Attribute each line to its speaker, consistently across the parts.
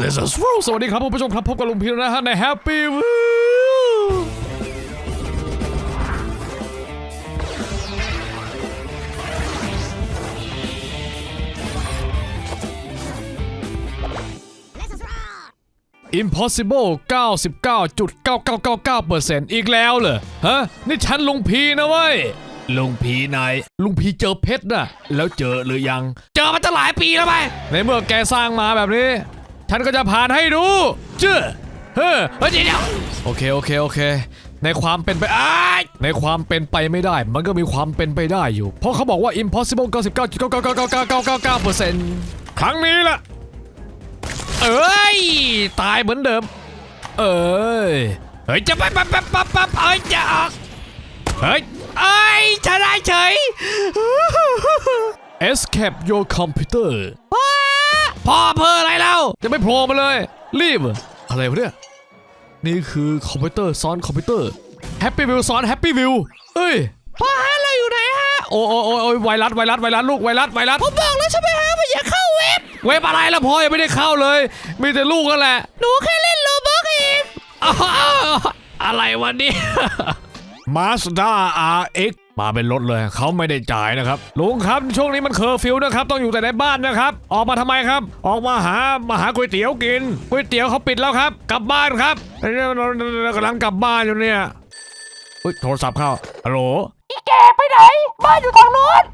Speaker 1: Let's roll สวัสดีครับผู้ชมครับพบกับลุงพีนะฮะใน Happy Wheel Impossible 99.9999% อีกแล้วเหรอฮะนี่ฉันลุงพีนะเว้ยลุงพีนายลุงพีเจอเพชรน่ะแล้วเจอหรือยังเจอมาตั้งหลายปีแล้วไปในเมื่อแกสร้างมาแบบนี้ฉันก็จะผ่านให้ดูเจ้อเฮ้ยเดี๋ยวโอเคในความเป็นไปในความเป็นไปไม่ได้มันก็มีความเป็นไปได้อยู่เพราะเขาบอกว่า Impossible 99.999999% ครั้งนี้ล่ะตายเหมือนเดิมจะไปจะออกชนะเฉย Escape your computer พ่อเพ้ออะไรแล้วจะไม่โผล่มาเลยรีบอะไรวะเนี่ยนี่คือคอมพิวเตอร์ซ้อนคอมพิวเตอร์ Happy Wheel ซ้อน Happy Wheel พ่อฮะเราอยู่ไหนฮะโอ้ไวรัสลูกไวรัสผมบอกแล้วใช่ไหมฮะว่าอย่าเข้าเว็บอะไรล่ะพ่อยังไม่ได้เข้าเลยมีแต่ลูกกันแหละหนูแค่เล่นโลบอกเองอะไรวันนี้ Mazda RX มาเป็นรถเลยเขาไม่ได้จ่ายนะครับลุงครับช่วงนี้มันเคอร์ฟิวนะครับต้องอยู่แต่ในบ้านนะครับออกมาทำไมครับออกมาหาก๋วยเตี๋ยวกินก๋วยเตี๋ยวเขาปิดแล้วครับกลับบ้านครับกำลังกลับบ้านอยู่เนี่ยโทรศัพท์เข้าฮัลโหลอีแกไปไหนบ้านอยู่ทางโน้น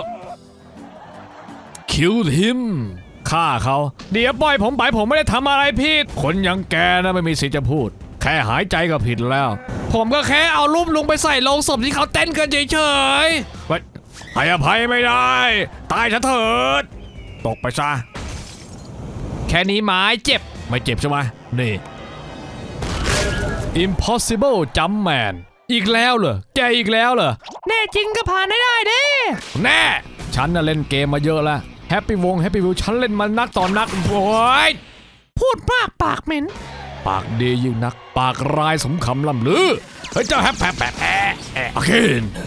Speaker 1: คิวทิมฆ่าเขาเดี๋ยวปล่อยผมไปผมไม่ได้ทำอะไรผิดคนยังแกนะไม่มีสิทธิ์จะพูดแค่หายใจก็ผิดแล้วผมก็แค่เอารูปลุงไปใส่โลงศพที่เขาเต้นกันเฉยๆให้อภัยไม่ได้ตายซะเถิดตกไปซะแค่นี้ไม้เจ็บไม่เจ็บใช่ไหมนี่ Impossible Jumpman อีกแล้วเหรอแกอีกแล้วเหรอแน่จริงก็ผ่านได้เด้แน่ฉันน่ะเล่นเกมมาเยอะแล้วHappy Wheel ฉันเล่นมานักต่อนักโว้ยพูดมากปากเหม็นปากดียิ่งนักปากร้ายสมคำล่ำลือเจ้าแฮปแปะโอเค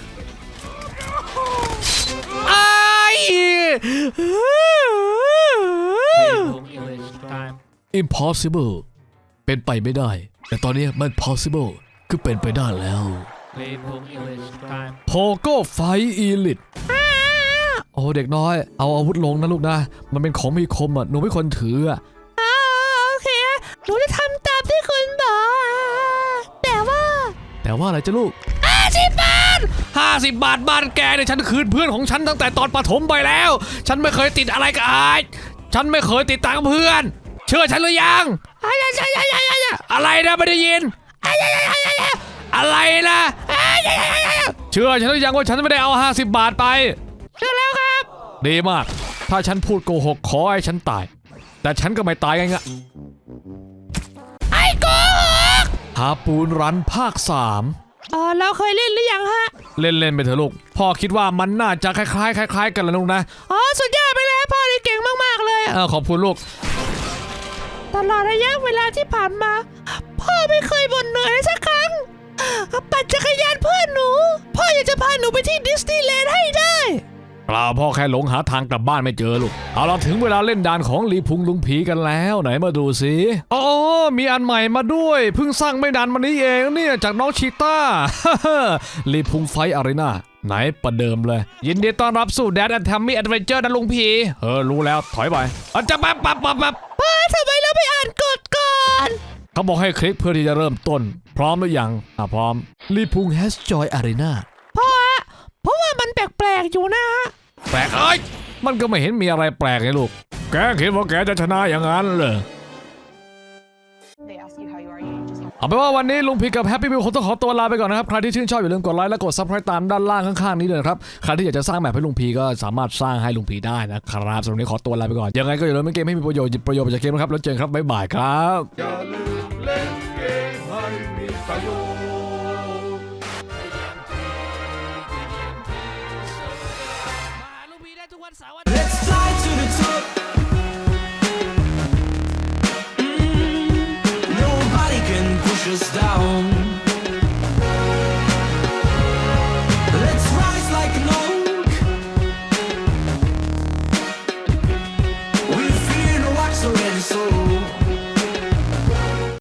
Speaker 1: Impossible เป็นไปไม่ได้แต่ตอนนี้มัน possible คือเป็นไปได้แล้วโพโก้ไฟอีลิตโอ้เด็กน้อยเอาอาวุธลงนะลูกนะมันเป็นของมีคมหนูไม่ควรถือโอเคหนูจะทำตามที่คุณบอกแต่ว่าอะไรจ้ะลูก50 บาทบ้านแกเนี่ยฉันคืนเพื่อนของฉันตั้งแต่ตอนประถมไปแล้วฉันไม่เคยติดอะไรกับฉันไม่เคยติดตังเพื่อนเชื่อฉันหรือยังอะไรนะไม่ได้ยินอะไรนะเชื่อฉันหรือยังว่าฉันไม่ได้เอา50 บาทไปเชื่อแล้วครับดีมากถ้าฉันพูดโกหกขอให้ฉันตายแต่ฉันก็ไม่ตายง่ายๆไอ้โกหกหาปูนรันภาค3เราเคยเล่นหรือยังฮะเล่นไปเถอะลูกพ่อคิดว่ามันน่าจะคล้ายกันแล้วลูกนะสุดยอดไปเลยพ่อนี่เก่งมากๆเลยขอบคุณลูกตลอดระยะเวลาที่ผ่านมาพ่อไม่เคยบ่นเหนื่อยสักครั้งปั่นจักรยานเพื่อนหนูพ่ออยากจะพาหนูไปที่ดิสนีย์แลนด์ให้ได้เปล่าพ่อแค่หลงหาทางกลับบ้านไม่เจอลูกเอาเราถึงเวลาเล่นด่านของลีพุงลุงผีกันแล้วไหนมาดูสิมีอันใหม่มาด้วยเพิ่งสร้างไม่นานมานี้เองเนี่ยจากน้องชีต้า ลีพุงไฟอารีนาไหนประเดิมเลยยินดีต้อนรับสู่แดดแอนด์แทมมี่แอดเวนเจอร์นะลุงผีรู้แล้วถอยไปจะปั๊บป้าทำไมเราไปอ่านกฎก่อนเขาบอกให้คลิกเพื่อที่จะเริ่มต้นพร้อมหรือยังพร้อมลีพุงแฮชจอยอารีนาเพราะว่ามันแปลกๆอยู่นะแปลกมันก็ไม่เห็นมีอะไรแปลกเลยลูกแกคิดว่าแกจะชนะอย่างนั้นเหรอเอาเป็นว่าวันนี้ลุงพีกับแฮปปี้วิวคงต้องขอตัวลาไปก่อนนะครับใครที่ชื่นชอบอย่าลืมกดไลค์และกดซับสไครป์ตามด้านล่างข้างๆนี้เลยครับใครที่อยากจะสร้างแบบให้ลุงพีก็สามารถสร้างให้ลุงพีได้นะครับสำหรับวันนี้ขอตัวลาไปก่อนยังไงก็อย่าลืมเล่นเกมให้มีประโยชน์ไปจากเกมนะครับแล้วเจอกันครับบ๊ายบายครับอย่าลืมเล่นเกมให้มีประโยชน์Let's fly to the top. Nobody can push us down.